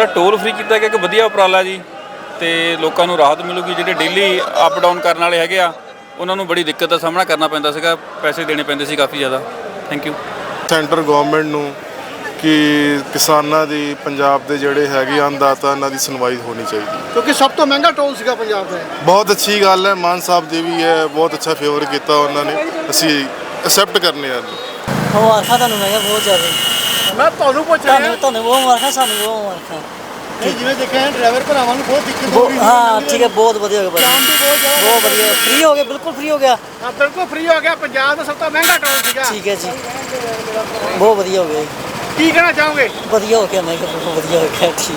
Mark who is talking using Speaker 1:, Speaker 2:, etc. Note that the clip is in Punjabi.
Speaker 1: ਟੋਲ ਫ੍ਰੀ ਕੀਤਾ ਗਿਆ ਇੱਕ ਵਧੀਆ ਉਪਰਾਲਾ ਜੀ ਤੇ ਲੋਕਾਂ ਨੂੰ ਰਾਹਤ ਮਿਲੂਗੀ। ਜਿਹੜੇ ਡੇਲੀ ਅਪ ਡਾਊਨ ਕਰਨ ਵਾਲੇ ਹੈਗੇ ਆ ਉਹਨਾਂ ਨੂੰ ਬੜੀ ਦਿੱਕਤ ਦਾ ਸਾਹਮਣਾ ਕਰਨਾ ਪੈਂਦਾ ਸੀਗਾ, ਪੈਸੇ ਦੇਣੇ ਪੈਂਦੇ ਸੀ ਕਾਫੀ ਜ਼ਿਆਦਾ। ਥੈਂਕ ਯੂ
Speaker 2: ਸੈਂਟਰ ਗਵਰਨਮੈਂਟ ਨੂੰ ਕਿ ਕਿਸਾਨਾਂ ਦੀ ਪੰਜਾਬ ਦੇ ਜਿਹੜੇ ਹੈਗੇ ਅੰਨਦਾਤਾ ਇਹਨਾਂ ਦੀ ਸੁਣਵਾਈ ਹੋਣੀ ਚਾਹੀਦੀ,
Speaker 3: ਕਿਉਂਕਿ ਸਭ ਤੋਂ ਮਹਿੰਗਾ ਟੋਲ ਸੀਗਾ ਪੰਜਾਬ ਦਾ।
Speaker 2: ਬਹੁਤ ਅੱਛੀ ਗੱਲ ਹੈ। ਮਾਨ ਸਾਹਿਬ ਦੀ ਵੀ ਹੈ, ਬਹੁਤ ਅੱਛਾ ਫੇਵਰ ਕੀਤਾ ਉਹਨਾਂ ਨੇ, ਅਸੀਂ ਐਕਸੈਪਟ ਕਰਨੇ ਆ।
Speaker 4: ਮੁਬਾਰਕਾਂ ਤੁਹਾਨੂੰ, ਮੈਂ ਕਿਹਾ ਬਹੁਤ ਜ਼ਿਆਦਾ।
Speaker 3: ਮੈਂ ਤੁਹਾਨੂੰ ਪੁੱਛ ਰਿਹਾ
Speaker 4: ਤੁਹਾਨੂੰ ਬਹੁਤ ਮੁਬਾਰਕਾਂ, ਸਾਨੂੰ ਬਹੁਤ ਮੁਬਾਰਕਾਂ।
Speaker 3: ਨਹੀਂ, ਜਿਵੇਂ ਦੇਖਿਆ ਡਰਾਈਵਰ ਭਰਾਵਾਂ ਨੂੰ ਬਹੁਤ ਦਿੱਕਤ ਹੋ ਰਹੀ ਸੀ।
Speaker 4: ਹਾਂ ਠੀਕ ਹੈ, ਬਹੁਤ ਵਧੀਆ ਹੋ ਗਿਆ
Speaker 3: ਕੰਮ ਵੀ ਬਹੁਤ ਜ਼ਿਆਦਾ
Speaker 4: ਬਹੁਤ ਵਧੀਆ, ਫ੍ਰੀ ਹੋ ਗਿਆ, ਬਿਲਕੁਲ ਫ੍ਰੀ ਹੋ ਗਿਆ।
Speaker 3: ਹਾਂ ਬਿਲਕੁਲ ਫ੍ਰੀ ਹੋ ਗਿਆ। ਪੰਜਾਬ ਦਾ ਸਭ ਤੋਂ ਮਹਿੰਗਾ ਟੋਲ ਸੀਗਾ।
Speaker 4: ਠੀਕ ਹੈ ਜੀ, ਬਹੁਤ ਵਧੀਆ ਹੋ ਗਿਆ ਜੀ।
Speaker 3: ਕੀ ਕਹਿਣਾ ਚਾਹੋਗੇ?
Speaker 4: ਵਧੀਆ ਹੋ ਗਿਆ, ਮੈਂ ਕਿਹਾ ਬਹੁਤ ਵਧੀਆ ਹੋ ਗਿਆ। ਠੀਕ।